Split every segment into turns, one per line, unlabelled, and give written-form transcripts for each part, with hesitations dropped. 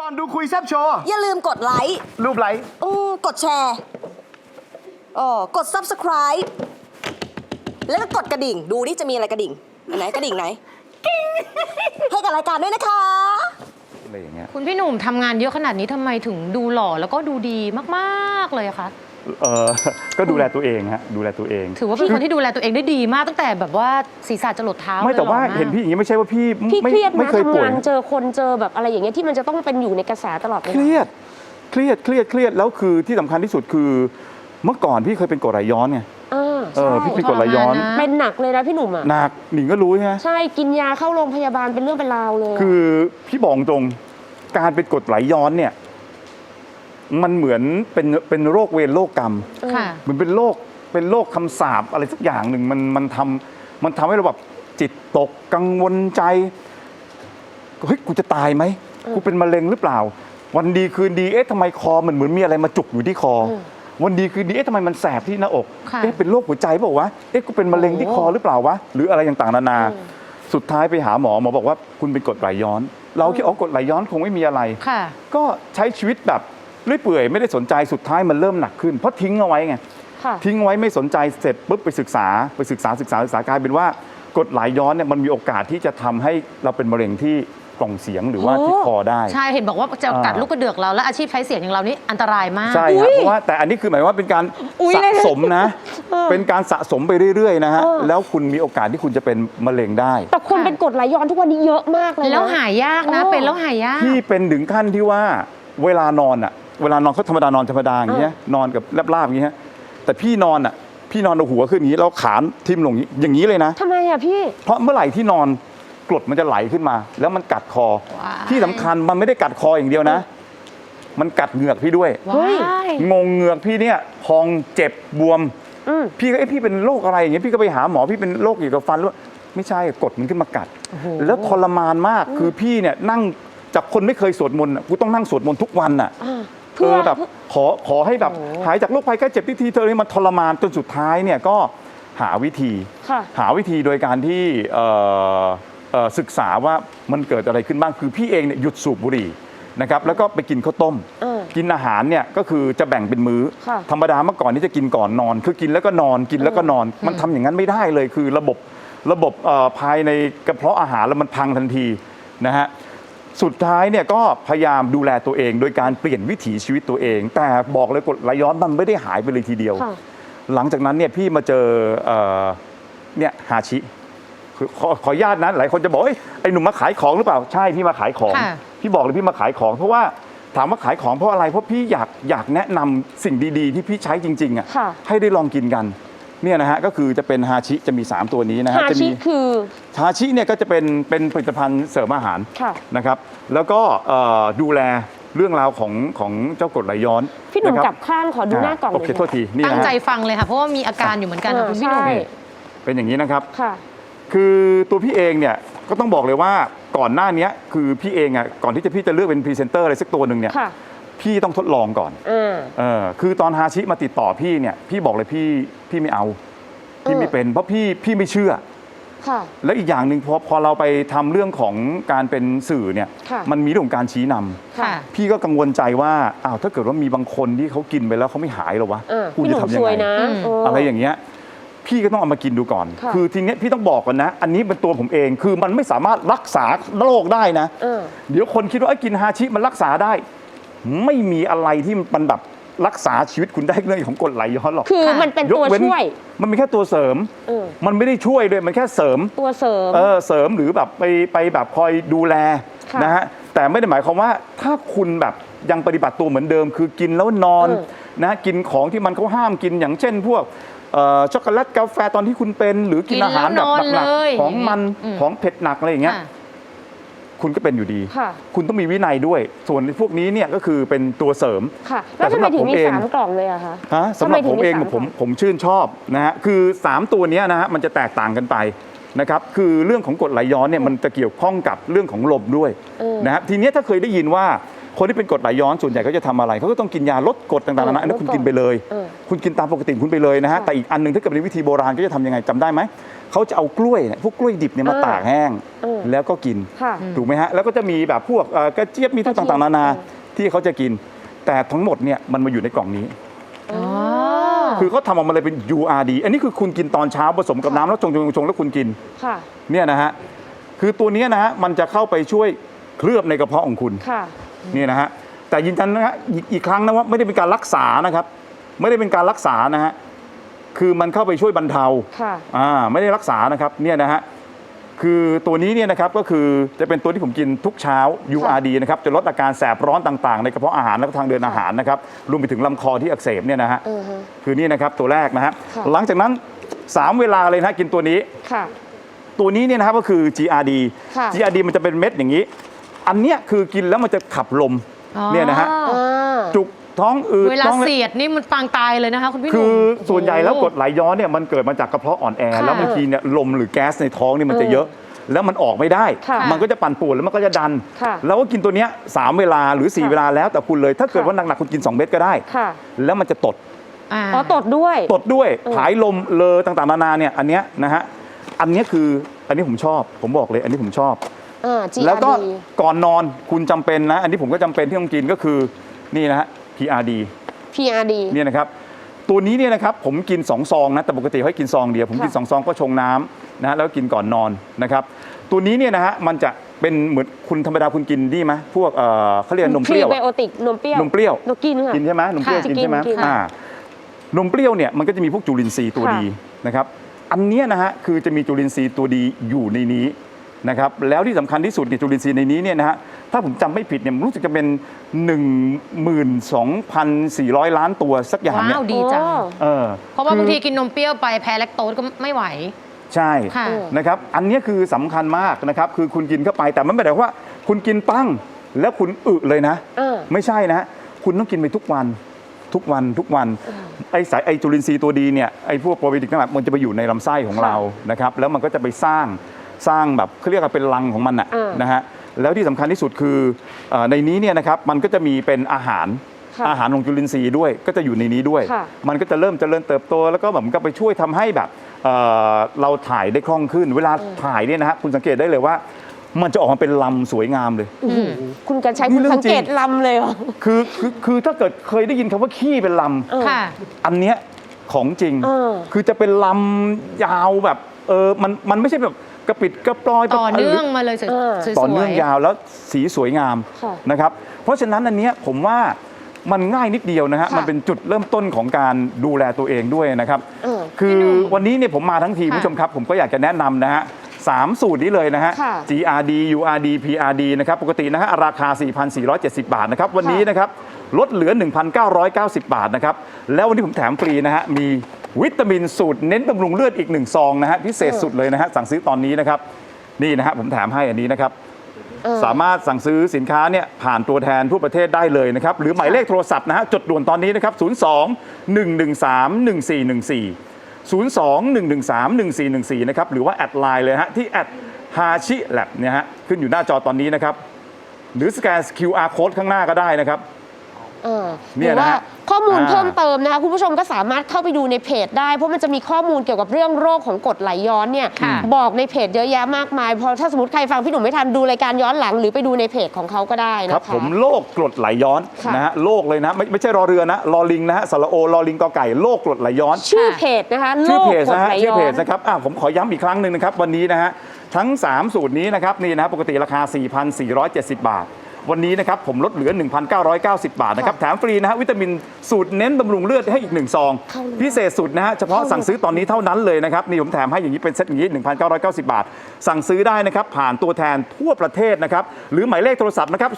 อนดูคุยแซบโชว์
อย่าลืมกดไลค์
รูปไลค์
กดแชร์กด Subscribe แล้วก็กดกระดิ่งดูนี่จะมีอะไรกระดิ่งอันไหนกระดิ่งไหนให้กับรายการด้วยนะคะ
อะไรอย่างเงี้ย
คุณพี่หนุ่มทำงานเยอะขนาดนี้ทำไมถึงดูหล่อแล้วก็ดูดีมากๆเลยอะคะ
ก็ดูแลตัวเองฮะดูแลตัวเอง
ถือว่าเป็นคนที่ดูแลตัวเองได้ดีมากตั้งแต่แบบว่าศีรษะจรดเท้า
ไม่แต่ว่าเห็นพี่อย่างนี้ไม่ใช่ว่าพี่
เครียด
ไม่
นะ
เคยป่วย
ทำงานเจอคนเจอแบบอะไรอย่างเงี้ยที่มันจะต้องเป็นอยู่ในกระแสตลอดเวลา
เครียดแล้วคือที่สำคัญที่สุดคือเมื่อก่อนพี่เคยเป็นกรดไหลย้อนไงพี่เป็นกรดไหลย้อน
เป็นหนักเลยนะพี่หนุ่มอ่ะ
หนักหนิงก็รู้ใช่ไหม
ใช่กินยาเข้าโรงพยาบาลเป็นเรื่องเป็นราวเลย
คือพี่บอกตรงการเป็นกรดไหลย้อนเนี่ยมันเหมือนเป็นโรคเวรโรคกรรมเหมือนเป็นโรคคำสาปอะไรสักอย่างหนึ่งมันทำให้เราแบบจิตตกกังวลใจเฮ้ยกูจะตายไหมกูเป็นมะเร็งหรือเปล่าวันดีคืนดีทำไมคอมันเหมือนมีอะไรมาจุกอยู่ที่คอวันดีคืนดีทำไมมันแสบที่หน้าอกเป็นโรคหัวใจเปล่าวะกูเป็นมะเร็งที่คอหรือเปล่าวะหรืออะไรต่างๆนานาสุดท้ายไปหาหมอบอกว่าคุณเป็นกรดไหลย้อนเราคิดกรดไหลย้อนคงไม่มีอะไรก็ใช้ชีวิตแบบเรื่อยเปื่อยไม่ได้สนใจสุดท้ายมันเริ่มหนักขึ้นเพราะทิ้งเอาไว้ไงทิ้งไว้ไม่สนใจเสร็จปุ๊บไปศึกษากลายเป็นว่ากรดไหลย้อนเนี่ยมันมีโอกาสที่จะทำให้เราเป็นมะเร็งที่กล่องเสียงหรือว่าที่คอได้
ใช่เห็นบอกว่าจะกัดลูกกระเดือกเราและอาชีพใช้เสียงอย่างเรานี่อันตรายมาก
ใช่ครับเพราะว่าแต่อันนี้คือหมายว่าเป็นการสะสมนะเป็นการสะสมไปเรื่อยๆนะฮะแล้วคุณมีโอกาสที่คุณจะเป็นมะเร็งได้
แต่คนเป็นกรดไหลย้อนทุกวันนี้เยอะมากเลย
แล้วหายากนะเป็นแล้วหายาก
ที่เป็นถึงขั้นที่ว่าเวลานอนเขาธรรมดานอนธรรมดาอย่างเงี้ยนอนกับลาบๆอย่างเงี้ยแต่พี่นอนเอาหัวขึ้นอย่างนี้แล้วขาทิ่มลงอย่างนี้เลยนะ
ทำไมอ่ะพี่
เพราะเมื่อไหร่ที่นอนกรดมันจะไหลขึ้นมาแล้วมันกัดคอที่สำคัญมันไม่ได้กัดคออย่างเดียวนะมันกัดเหงือกพี่ด้วยงงเหงือกพี่เนี่ยพองเจ็บบวมพี่ก็พี่เป็นโรคอะไรอย่างเงี้ยพี่ก็ไปหาหมอพี่เป็นโรคเกี่ยวกับฟันแล้วไม่ใช่กดมันขึ้นมากัดแล้วทรมานมากคือพี่เนี่ยนั่งจากคนไม่เคยสวดมนต์กูต้องนั่งสวดมนต์ทุกวันน่ะแบบขอให้แบบหายจากโรคภัยแค่เจ็บทีเธอเนี่ยมันทรมานจนสุดท้ายเนี่ยก็หาวิธีโดยการที่ศึกษาว่ามันเกิดอะไรขึ้นบ้างคือพี่เองเนี่ยหยุดสูบบุหรี่นะครับแล้วก็ไปกินข้าวต้มกินอาหารเนี่ยก็คือจะแบ่งเป็นมื้อธรรมดาเมื่อก่อนนี่จะกินก่อนนอนคือกินแล้วก็นอนกินแล้วก็นอนมันทำอย่างนั้นไม่ได้เลยคือระบบภายในกระเพาะอาหารแล้วมันพังทันทีนะฮะสุดท้ายเนี่ยก็พยายามดูแลตัวเองโดยการเปลี่ยนวิถีชีวิตตัวเองแต่บอกเลยกรดไหลย้อนมันไม่ได้หายไปเลยทีเดียวหลังจากนั้นเนี่ยพี่มาเจอเนี่ยฮาชิขออนุญาตนะหลายคนจะบอกไอ้หนุ่มมาขายของหรือเปล่าใช่พี่มาขายของพี่บอกเลยพี่มาขายของเพราะว่าถามว่าขายของเพราะอะไรเพราะพี่อยากแนะนำสิ่งดีๆที่พี่ใช้จริงๆอ่ะให้ได้ลองกินกันเนี่ยนะฮะก็คือจะเป็นฮาชิจะมี3ตัวนี้นะฮะ
ฮาชิคือ
ฮาชิเนี่ยก็จะเป็นผลิตภัณฑ์เสริมอาหารนะครับแล้วก็ดูแลเรื่องราวของเจ้ากรดไหลย้อน
พี่หนุ่มจับข้างขอดูหน้ากล่อง
โอเคโทษทีนี่นะ
ตั้งใจฟังเลยค่ะเพราะว่ามีอาการอยู่เหมือนกันคุณพี่หนุ่ม
เป็นอย่างนี้นะครับคือตัวพี่เองเนี่ยก็ต้องบอกเลยว่าก่อนหน้านี้คือพี่เองอ่ะก่อนที่พี่จะเลือกเป็นพรีเซนเตอร์อะไรสักตัวหนึ่งเนี่ยพี่ต้องทดลองก่อนคือตอนฮาชิมาติดต่อพี่เนี่ยพี่บอกเลยพี่ไม่เอาพี่ไม่เป็นเพราะพี่ไม่เชื่อแล้วอีกอย่างหนึ่งพอเราไปทำเรื่องของการเป็นสื่อเนี่ยมันมีเรื่องของการชี้นำพี่ก็กังวลใจว่าถ้าเกิดว่ามีบางคนที่เขากินไปแล้วเขาไม่หายหรอวะคุณจะทำยังไงอะไรอย่างเงี้ยพี่ก็ต้องเอามากินดูก่อนคือทีนี้พี่ต้องบอกก่อนนะอันนี้เป็นตัวผมเองคือมันไม่สามารถรักษาโรคได้นะเดี๋ยวคนคิดว่ากินฮาชิมันรักษาได้ไม่มีอะไรที่มันแบบรักษาชีวิตคุณได้เรื่องของกรดไหลย้อนหรอก
คือมันเป็นตัวช่วย
มันเป็นแค่ตัวเสริมมันไม่ได้ช่วยด้วยมันแค่เสริม
ตัวเสริม
เสริมหรือแบบไปแบบคอยดูแลนะฮะแต่ไม่ได้หมายความว่าถ้าคุณแบบยังปฏิบัติตัวเหมือนเดิมคือกินแล้วนอนนะกินของที่มันเขาห้ามกินอย่างเช่นพวกช็อกโกแลตกาแฟตอนที่คุณเป็นหรือกินอาหารแบบหนักๆของมันของเผ็ดหนักอะไรอย่างเงี้ยคุณก็เป็นอยู่ดีคุณต้องมีวินัยด้วยส่วนพวกนี้เนี่ยก็คือเป็นตัวเสริม
แต่สำหรับผมเอง3 กล่องเลยอะคะ
สำหรับผมเองผมชื่นชอบนะฮะคือ3ตัวนี้นะฮะมันจะแตกต่างกันไปนะครับคือเรื่องของกรดไหลย้อนเนี่ยมันจะเกี่ยวข้องกับเรื่องของลมด้วยนะฮะทีนี้ถ้าเคยได้ยินว่าคนที่เป็นกรดไหลย้อนส่วนใหญ่เขาจะทำอะไรเขาก็ต้องกินยาลดกรดต่างๆนะอันนั้นคุณกินไปเลยคุณกินตามปกติคุณไปเลยนะฮะแต่อีกอันนึงถ้าเกิดเป็นวิธีโบราณก็จะทำยังไงจำได้ไหมเขาจะเอากล้วยเนี่ยพวกกล้วยดิบเนี่ยมาตากแห้งแล้วก็กิน
ค่ะ
ถูกไหมฮะแล้วก็จะมีแบบพวกกระเจี๊ยบมีทุกต่างๆนานาที่เขาจะกิน แต่ทั้งหมดเนี่ยมันมาอยู่ในกล่องนี้
อ๋อ
คือเขาทำออกมาเลยเป็น URD อันนี้คือคุณกินตอนเช้าผสมกับน้ำแล้วชงแล้วคุณกิน
ค่ะ
เนี่ยนะฮะคือตัวเนี้ยนะฮะมันจะเข้าไปช่วยเคลือบในกระเพาะของคุณ
ค่ะ
นี่นะฮะแต่ยืนยันนะฮะอีกครั้งนะว่าไม่ได้เป็นการรักษานะครับ ไม่ได้เป็นการรักษานะฮะคือมันเข้าไปช่วยบรรเทา
ค่ะ
ไม่ได้รักษานะครับเนี่ยนะฮะคือตัวนี้เนี่ยนะครับก็คือจะเป็นตัวที่ผมกินทุกเช้า URD นะครับจะลดอาการแสบร้อนต่างๆในกระเพาะอาหารและทางเดินอาหารนะครับรวมไปถึงลำคอที่อักเสบเนี่ยนะฮะคือนี่นะครับตัวแรกนะฮะ
ค่ะ
หลังจากนั้น3เวลาเลยนะฮะกินตัวนี้
ค่ะ
ตัวนี้เนี่ยนะครับก็คือ GRD
ค่ะ
GRD มันจะเป็นเม็ดอย่างนี้ อันเนี้ยคือกินแล้วมันจะขับลม
อ๋อ
เนี่ยนะฮะ
อ่า
จุกท้องอืด
เวลา
ท้อง
เสียดนี่มันปางตายเลยนะคะคุณพี่ห
คื
นุ่ม
อส่วนใหญ่แล้วกรดไหลย้อนเนี่ยมันเกิดมาจากกระเพาะอ่อนแอ
ค่ะ
แล้วบางทีเนี่ยลมหรือแก๊สในท้องนี่มันจะเยอะ แล้วมันออกไม่ได้
ค่ะ
มันก็จะปั่นป่วนแล้วมันก็จะดัน
ค่ะ
แล้วก็กินตัวเนี้ย3เวลาหรือ 4 เวลาแล้วแต่คุณเลย ถ้าเกิดว่าหนักๆคุณกิน2เม็ดก็ได้
ค่ะ
แล้วมันจะตด
อ๋อตดด้วย
ตดด้วยผายลมเลอต่างๆนานาเนี่ยอันเนี้ยนะฮะอันเนี้ยคืออันนี้ผมชอบผมบอกเลยอันนี้ผมชอบ
GRD
แล้วก็ก่อนนอนคุณจำเป็นนะ อันนี้ผมก็จำเป็นที่ต้องกินก็คือนี่นะฮะ PRD
PRD
เนี่ยนะครับตัวนี้เนี่ยนะครับผมกิน2ซองนะแต่ปกติให้กินซองเดียวผมกิน
ค่ะ
2ซองก็ชงน้ำนะแล้วก็กินก่อนนอนนะครับตัวนี้เนี่ยนะฮะมันจะเป็นเหมือนคุณธรรมดาคุณกินดีไหมพวกเขาเรียกนมเปรี้ยว
พรีไบโอติกนมเปรี้ยวน
มเปรี้ยว
เรากินค่ะ
กินใช่ไหมนมเปรี้ยว
ค่ะ
กินใช่ไหม
กินค่ะ
นมเปรี้ยวเนี่ยมันก็จะมีพวกจุลินทรีย์ตัว
ค่ะ
ดีนะครับอันเนี้ยนะฮะคือจะมีจุลินทรีย์ตัวดีอยู่ในนี้นะครับแล้วที่สำคัญที่สุดเนี่ยจุลินทรีย์ในนี้เนี่ยนะฮะถ้าผมจำไม่ผิดเนี่ยรู้สึกจะเป็น 12,400 ล้านตัวสักอย่างเนี่ย
ว้าวดีจัง
เออ
เพราะว่าบางทีกินนมเปรี้ยวไปแพ้แลคโตสก็ไม่ไหว
ใช่
ค่ะ
นะครับอันเนี้ยคือสำคัญมากนะครับคือคุณกินเข้าไปแต่มันไม่ได้ว่าคุณกินปั้งแล้วคุณอึเลยนะ ไม่ใช่นะคุณต้องกินไปทุกวันทุกวันไอจุลินทรีย์ตัวดีเนี่ยไอพวกโปรไบโอติกทั้งหลายมันจะไปอยู่ในลำไส้ของเรานะครับแล้วมันก็จะไปสร้างแบบเขาเรียกว่าเป็นรังของมันนะฮะแล้วที่สำคัญที่สุดคือในนี้เนี่ยนะครับมันก็จะมีเป็นอาหารของจุลินทรีย์ด้วยก็จะอยู่ในนี้ด้วย
ค่ะ
มันก็จะเริ่มเจริญเติบโตแล้วก็แบบมันก็ไปช่วยทำให้แบบเราถ่ายได้คล่องขึ้น เวลาถ่ายเนี่ยนะฮะคุณสังเกตได้เลยว่า มันจะออกมาเป็นลำสวยงามเลย
คุณกันใช้
นี่
คุณ
เรื่อง
สังเกต
จริง
ลำเลยเหรอ
คือถ้าเกิดเคยได้ยินคำว่าขี้เป็นล
ค่ะ
ำอันเนี้ยของจริง คือจะเป็นลำยาวแบบมันไม่ใช่แบบกระปิดกระปลอย
ต่อเนื่องมาเลยสวยๆ
ต่อเนื่องยาวแล้วสีสวยงาม
ค่ะ
นะครับเพราะฉะนั้นอันเนี้ยผมว่ามันง่ายนิดเดียวนะฮะ
ค่ะ
มันเป็นจุดเริ่มต้นของการดูแลตัวเองด้วยนะครับ คือ
พี่หนุ่ม
วันนี้เนี่ยผมมาทั้งที
ค่ะ
ผู้ชมครับ ผมก็อยากจะแนะนำนะฮะ3สูตรนี้เลยนะฮะ
ค่ะ
GRD URD PRD นะครับปกตินะฮะราคา 4,470 บาทนะครับวันนี้นะครับลดเหลือ 1,990 บาทนะครับแล้ววันนี้ผมแถมฟรีนะฮะมีวิตามินสูตรเน้นบำรุงเลือดอีก1ซองนะฮะพิเศษสุดเลยนะฮะสั่งซื้อตอนนี้นะครับนี่นะฮะผมแถมให้อันนี้นะครับสามารถสั่งซื้อสินค้าเนี่ยผ่านตัวแทนทั่วประเทศได้เลยนะครับหรือหมายเลขโทรศัพท์นะฮะจดด่วนตอนนี้นะครับ02-113-1414 02-113-1414 นะครับหรือว่าแอดไลน์เลยฮะที่แอดฮาชิแลบเนี่ยฮะขึ้นอยู่หน้าจอตอนนี้นะครับหรือสแกน QR code ข้างหน้าก็ได้นะครับ
ห
เนี่
รื
ย
อ
นะ
ว่า
ฮะ
ข้อมูลเพิ่มเติมนะคะคุณผู้ชมก็สามารถเข้าไปดูในเพจได้ เพราะมันจะมีข้อมูลเกี่ยวกับเรื่องโรคของกรดไหลย้อนเนี่ย
ค่ะ
บอกในเพจเยอะแยะมากมายพอถ้าสมมติใครฟังพี่หนุ่มไม่ทันดูรายการย้อนหลัง หรือไปดูในเพจของเขาก็ได้นะคะ
ครับผมโรคกรดไหลย้อน
ค่ะ
นะฮะโรคเลยนะไม่ใช่รอเรือนะรอลิงนะฮะสระโอรอลิงกอไก่โรคกรดไหลย้อน
ชื่อเพจนะคะโร
ชื่อ
ค
เพจ
กรด
นะฮะ
ไหล
ชื่อ
ย้อ
เพจ
น
นะครับผมขอย้ำอีกครั้งหนึ่งนะครับวันนี้นะฮะทั้ง 3 สูตรนี้นะครับนี่นะฮะปกติราคา 4,470 บาท วันนี้นะครับผมลดเหลือ 1,990 บาทนะครับแถมฟรีนะฮะวิตามินสูตรเน้นบำรุงเลือดให้อีก1ซองพิเศษสุดนะฮะเฉพาะสั่งซื้อตอนนี้เท่านั้นเลยนะครับนี่ผมแถมให้อย่างนี้เป็นเซตอย่างนี้ 1,990 บาท สั่งซื้อได้นะครับผ่านตัวแทนทั่วประเทศนะครับหรือหมายเลขโทรศัพท์นะครับ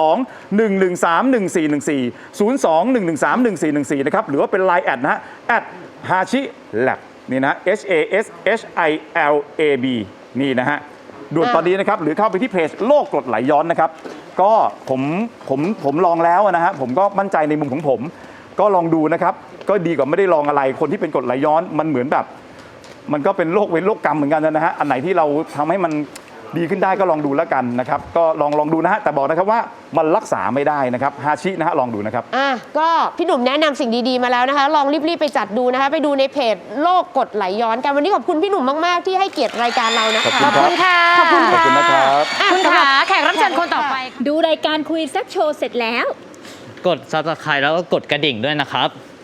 02-113-1414 นะครับหรือว่าเป็น Line แอดนะฮะแอดฮาชิแลบนี่นะ HASHILAB นี่นะฮะด่วนตอนนี้นะครับหรือเข้าไปที่เพจโรคกรดไหลย้อนนะครับก็ผมลองแล้วนะฮะผมก็มั่นใจในมุมของผมก็ลองดูนะครับก็ดีกว่าไม่ได้ลองอะไรคนที่เป็นกรดไหลย้อนมันเหมือนแบบมันก็เป็นโรคเวรโรคกรรมเหมือนกันนะฮะอันไหนที่เราทำให้มันดีขึ้นได้ก็ลองดูแล้วกันนะครับก็ลองดูนะฮะแต่บอกนะครับว่ามันรักษาไม่ได้นะครับฮาชินะฮะลองดูนะครับ
ก็พี่หนุ่มแนะนำสิ่งดีๆมาแล้วนะคะ ลองรีบๆไปจัดดูนะคะ ไปดูในเพจโรคกรดไหลย้อนกันวันนี้ขอบคุณพี่หนุ่มมากๆที่ให้เกียรติรายการเรานะคะ
ขอบคุณครับ
ขอบคุณค่ะ
ขอบคุณนะครับ
คุณขาแขกรับเชิญคนต่อไป
ดูรายการคุยแซ่บโชว์เสร็จแล้ว
กด Subscribe แล้วก็กดกระดิ่งด้วยนะครับ